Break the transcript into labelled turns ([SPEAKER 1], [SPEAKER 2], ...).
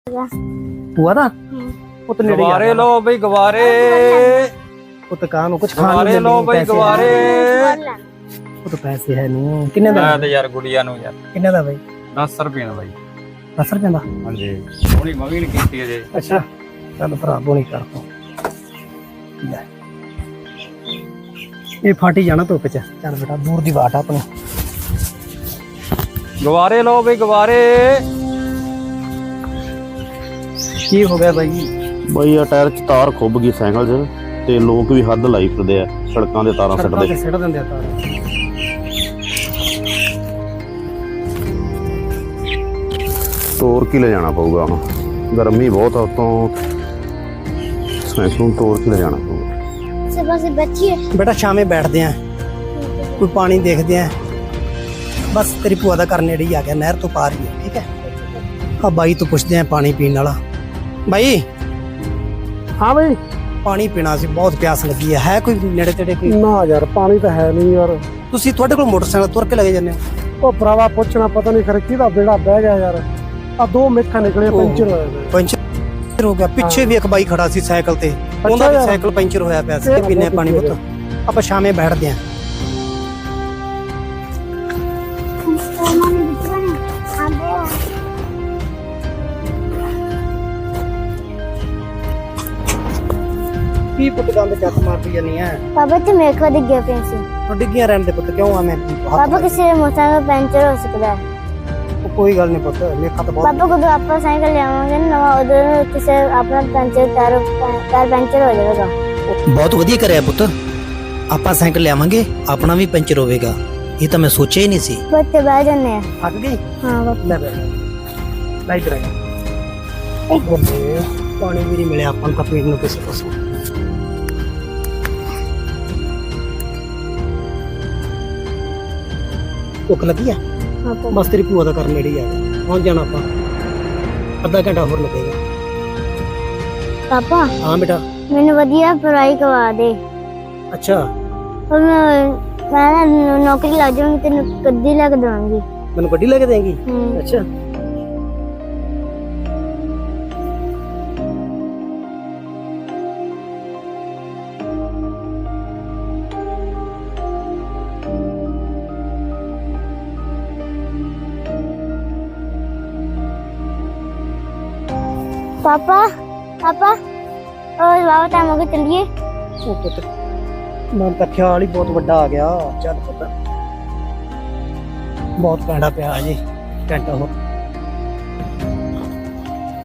[SPEAKER 1] हुआ था पुत नेड़े
[SPEAKER 2] गवारे लो भाई गवारे
[SPEAKER 1] पुत कान कुछ
[SPEAKER 2] गवारे लो भाई गवारे
[SPEAKER 1] पुत पैसे है नहीं किन्ने दा
[SPEAKER 2] मैं यार गुड़िया नु यार
[SPEAKER 1] किन्ने दा भाई
[SPEAKER 2] 10 रुपए ना भाई
[SPEAKER 1] 10 रुपए दा
[SPEAKER 2] हां जी थोड़ी मवीन कीती है जे
[SPEAKER 1] अच्छा चल भरा बोनी कर तो ये फाटी जाना धुप च चल बेटा दूर दी बात अपनी
[SPEAKER 2] गवारे लो भाई गवारे
[SPEAKER 1] की हो गया भाई
[SPEAKER 3] ਬਈ ਆ ਟਾਇਰ ਚ ਤਾਰ ਖੁੱਭ ਗਈ ਸਾਈਕਲ 'ਚ ਤੇ ਲੋਕ ਵੀ ਹੱਦ ਲਾਈ ਫਿਰਦੇ ਆ ਸੜਕਾਂ ਦੇ ਤਾਰਾਂ ਸਿੱਟਦੇ
[SPEAKER 1] ਸਿੱਟ ਦਿੰਦੇ ਆ ਤਾਰ
[SPEAKER 3] ਤੋੜ ਕੇ ਲੈ ਜਾਣਾ ਪਊਗਾ ਹੁਣ ਗਰਮੀ ਬਹੁਤ ਆ ਉਤੋਂ ਸਾਈਕਲ ਨੂੰ ਤੋੜ ਕੇ ਲੈ ਜਾਣਾ ਪਊਗਾ
[SPEAKER 4] सुबह से बच्ची है
[SPEAKER 1] बेटा शामे बैठते हैं कोई पानी देखते हैं बस तेरी भूआ का घर नेड़े ही आ गया नहर तो पार ही है ठीक है अब भाई तो पूछते हैं पानी पीने वाला भाई
[SPEAKER 5] हाँ भाई
[SPEAKER 1] पानी पीना सी बहुत प्यास लगी है कोई नेड़े तेड़े कोई
[SPEAKER 5] ना यार पानी तो है नहीं यार
[SPEAKER 1] ਤੁਸੀਂ ਤੁਹਾਡੇ ਕੋਲ ਮੋਟਰਸਾਈਕਲ ਤੁਰ ਕੇ ਲਗੇ ਜਾਂਦੇ ਹੋ
[SPEAKER 5] ਉਹ ਭਰਾਵਾ ਪੁੱਛਣਾ ਪਤਾ ਨਹੀਂ ਖਰੇ ਕਿਹਦਾ ਬੇੜਾ ਬਹਿ ਗਿਆ ਯਾਰ ਆ ਦੋ ਮਿੱਠਾ ਨਿਕਲੇ ਪੰਚਰ ਹੋਇਆ ਪਿਆ।
[SPEAKER 1] ਪੰਚਰ ਹੋ ਗਿਆ ਪਿੱਛੇ ਵੀ ਇੱਕ ਬਾਈ ਖੜਾ ਸੀ ਸਾਈਕਲ ਤੇ ਉਹਦਾ ਵੀ
[SPEAKER 5] ਯਾਰ।
[SPEAKER 1] ਸਾਈਕਲ ਪੰਚਰ ਹੋਇਆ ਪਿਆ ਸੀ ਪੀਨੇ ਪਾਣੀ ਪੁੱਤ ਆਪਾਂ ਸ਼ਾਮੇ ਬੈਠਦੇ ਆਂ ਕੀ ਪੁੱਤ ਗੰਦ ਚੱਕ ਮਾਰਦੀ ਜਾਨੀ ਹੈ
[SPEAKER 4] पापा तो मेरे को दिख गया पेंसिल
[SPEAKER 1] ਉਹ ਡਿੱਗੀਆਂ ਰਹਿਣ ਦੇ ਪੁੱਤ ਕਿਉਂ ਆ ਮੈਂ
[SPEAKER 4] पापा किसी मोटरसाइकिल पंचर हो सकता है
[SPEAKER 1] ਕੋਈ ਗੱਲ ਨਹੀਂ ਪੁੱਤ ਮੇਖਾ ਤਾਂ ਬਹੁਤ
[SPEAKER 4] पापा को तो आप साइकिल ले आवांगे ना उधर किसी अपना पंचर टायर पंचर हो जाएगा
[SPEAKER 1] ਬਹੁਤ ਵਧੀਆ ਕਰਿਆ ਪੁੱਤ ਆਪਾਂ ਸਾਈਕਲ ਲਿਆਵਾਂਗੇ ਆਪਣਾ ਵੀ ਪੰਚਰ ਹੋਵੇਗਾ ਇਹ ਤਾਂ ਮੈਂ ਸੋਚਿਆ ਹੀ ਨਹੀਂ ਸੀ
[SPEAKER 4] बच्चे बैठ जाने हैं
[SPEAKER 1] ਥੱਕ ਗਈ
[SPEAKER 4] हाँ पापा
[SPEAKER 1] ਲੈ ਬੈ ਲਾਈਟ ਰਹਿ ਪਾਣੀ ਵੀ ਨਹੀਂ ਮਿਲਿਆ ਆਪਾਂ ਨੂੰ ਤਾਂ ਪੀਣ ਨੂੰ ਕਿਸੇ ਪਾਸੋਂ ਭੁੱਖ ਲੱਗੀ ਆ
[SPEAKER 4] हाँ पापा
[SPEAKER 1] ਬਸ ਤੇਰੀ ਭੂਆ ਦਾ ਘਰ ਨੇੜੇ ਹੀ ਆ ਗਿਆ ਪਹੁੰਚ ਜਾਣਾ ਆਪਾਂ ਅੱਧਾ ਘੰਟਾ ਹੋਰ ਲੱਗੇਗਾ
[SPEAKER 4] पापा
[SPEAKER 1] ਹਾਂ ਬੇਟਾ
[SPEAKER 4] मैंने बढ़िया पढ़ाई करवा दे
[SPEAKER 1] ਅੱਛਾ
[SPEAKER 4] और मैं ना नौकरी लग जाऊंगी तेन गड्डी लग दूंगी
[SPEAKER 1] ਮੈਨੂੰ ਗੱਡੀ ਲੈ ਕੇ ਦੇਂਗੀ ਅੱਛਾ
[SPEAKER 4] पापा पापा और बाबा टाइम हो गया चलिए
[SPEAKER 1] ਉਹ ਪੁੱਤ ਮਨ ਤਾਂ ਖਿਆਲ ਹੀ ਬਹੁਤ ਵੱਡਾ ਆ ਗਿਆ ਚੱਲ ਪੁੱਤ ਬਹੁਤ ਪੈਂਡਾ ਪਿਆ ਜੀ ਘੰਟਾ ਹੋ